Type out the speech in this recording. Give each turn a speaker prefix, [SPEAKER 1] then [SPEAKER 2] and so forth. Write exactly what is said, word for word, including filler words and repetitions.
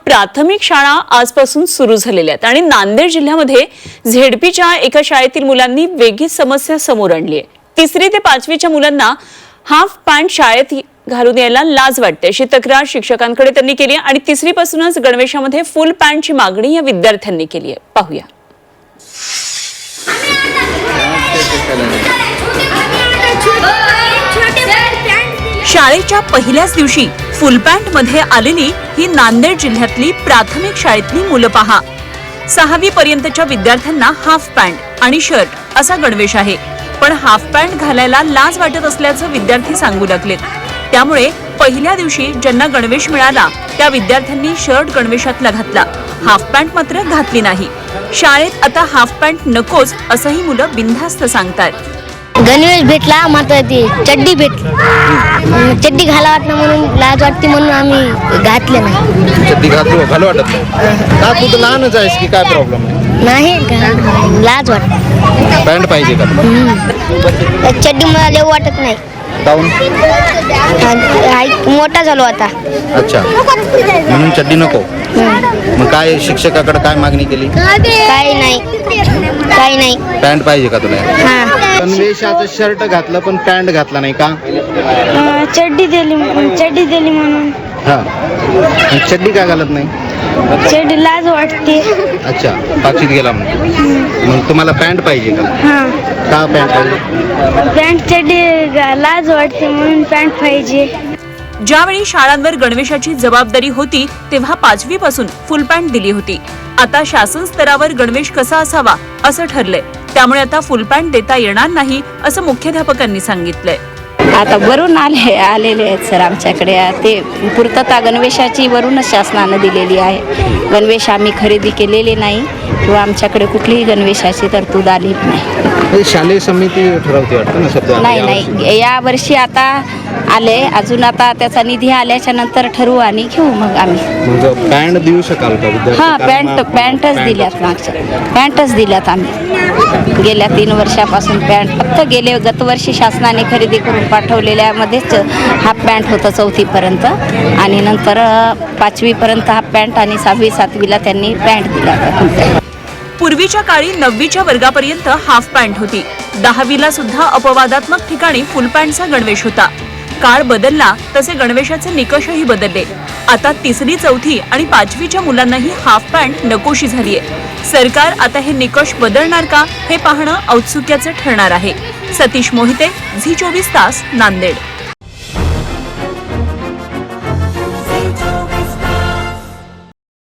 [SPEAKER 1] प्राथमिक शाळा आजपासून सुरू झालेल्या आहेत आणि नांदेड जिल्ह्यामध्ये झेडपीच्या एका शाळेतील मुलांनी वेगळीच समस्या समोर आणली आहे। तिसरी ते पाचवीच्या मुलांना हाफ पॅन्ट शाळेत घालून यायला लाज वाटते अशी तक्रार शिक्षकांकडे त्यांनी केली आणि तिसरी पासूनच गणवेशामध्ये फुल पॅन्टची मागणी या विद्यार्थ्यांनी केली आहे। पाहूया। शाळेच्या पहिल्याच दिवशी फुल पॅन्ट मध्ये आलेली ही नांदेड जिल्ह्यातली प्राथमिक शाळेतली मुलं पहा। सहावी पर्यंतच्या विद्यार्थ्यांना हाफ पॅन्ट आणि शर्ट असा गणवेश आहे, पण हाफ पॅन्ट घालायला लाज वाटत असल्याचं विद्यार्थी सांगू लागलेत। त्यामुळे पहिल्या दिवशी ज्यांना गणवेश मिळाला त्या विद्यार्थ्यांनी शर्ट गणवेशातला घातला, हाफ पॅन्ट मात्र घातली नाही। शाळेत आता हाफ पॅन्ट नकोच असंही मुलं बिनधास्त सांगतात।
[SPEAKER 2] गणवेश भेटला मात्र ती चड्डी भेटली, चड्डी घाला वाटणं म्हणून लाज वाटते म्हणून आम्ही घातले नाही।
[SPEAKER 3] चड्डी घातली घालू वाटत नाही का? तू तर लहानच आहेस की काय प्रॉब्लेम
[SPEAKER 2] नाही नाही लाज वाटते।
[SPEAKER 3] पॅन्ट पाहिजे का?
[SPEAKER 2] चड्डी मला लेऊ वाटत नाही,
[SPEAKER 3] काऊन?
[SPEAKER 2] मोठा झालो आता।
[SPEAKER 3] अच्छा, म्हणून चड्डी नको। मग काय शिक्षकाकडे काय मागणी केली?
[SPEAKER 2] काही नाही काही नाही
[SPEAKER 3] पॅन्ट पाहिजे का तुला?
[SPEAKER 2] हा
[SPEAKER 3] गणवेशाचं शर्ट घातलं पण पॅन्ट घातला नाही का?
[SPEAKER 2] चड्डी दिली चड्डी दिली म्हणून।
[SPEAKER 3] हा, चड्डी का घालत नाही?
[SPEAKER 2] चड्डी लाज वाटते।
[SPEAKER 3] अच्छा, पाचवीत गेला म्हणून मग तुम्हाला पॅन्ट पाहिजे का?
[SPEAKER 2] हा
[SPEAKER 3] का पॅन्ट पाहिजे?
[SPEAKER 2] पॅन्ट चड्डी लाज वाटते म्हणून पॅन्ट पाहिजे।
[SPEAKER 1] ज्यावेळी शाळांवर गणवेशाची जबाबदारी होती तेव्हा पाचवी पासून फुल पॅन्ट दिली होती। आता शासन स्तरावर गणवेश कसा असावा असं ठरलंय, त्यामुळे आता फुल पॅन्ट देता येणार नाही असं मुख्याध्यापकांनी सांगितलंय।
[SPEAKER 4] आता वरून आले आलेले आहेत सर आमच्याकडे, ते पूर्तता गणवेशाची वरूनच शासनानं दिलेली आहे। गणवेश आम्ही खरेदी केलेले नाही किंवा आमच्याकडे कुठलीही गणवेशाची तरतूद आली नाही।
[SPEAKER 3] शालेय समिती ठरवते वाटतं ना शब्द?
[SPEAKER 4] नाही नाही, या वर्षी आता आले, अजून आता त्याचा निधी आल्याच्या नंतर ठरवू आणि घेऊ मग आम्ही।
[SPEAKER 3] मग पॅन्ट देऊ शकाल का?
[SPEAKER 4] हां, पॅन्ट पॅन्टच दिल्यात, मागच्या पॅन्टच दिल्यात आम्ही गेल्या तीन वर्षापासून। पॅन्ट फक्त गेले गतवर्षी शासनाने खरेदी करून पाठवलेल्यामध्येच हाफ पॅन्ट होतं चौथीपर्यंत आणि नंतर पाचवीपर्यंत हाफ पॅन्ट आणि सहावी सातवीला त्यांनी पॅन्ट दिला।
[SPEAKER 1] पूर्वीच्या काळी नववीच्या वर्गापर्यंत हाफ पॅन्ट होती, दहावीला सुद्धा अपवादात्मक ठिकाणी फुल पॅन्टचा गणवेश होता। काळ बदलला तसे गणवेशाचे निकषही बदलले। आता तिसरी चौथी आणि पाचवीच्या मुलांनाही हाफ पॅन्ट नकोशी झालीय। सरकार आता हे निकष बदलणार का हे पाहणं औत्सुक्याचं ठरणार आहे। सतीश मोहिते, झी चोवीस तास, नांदेड।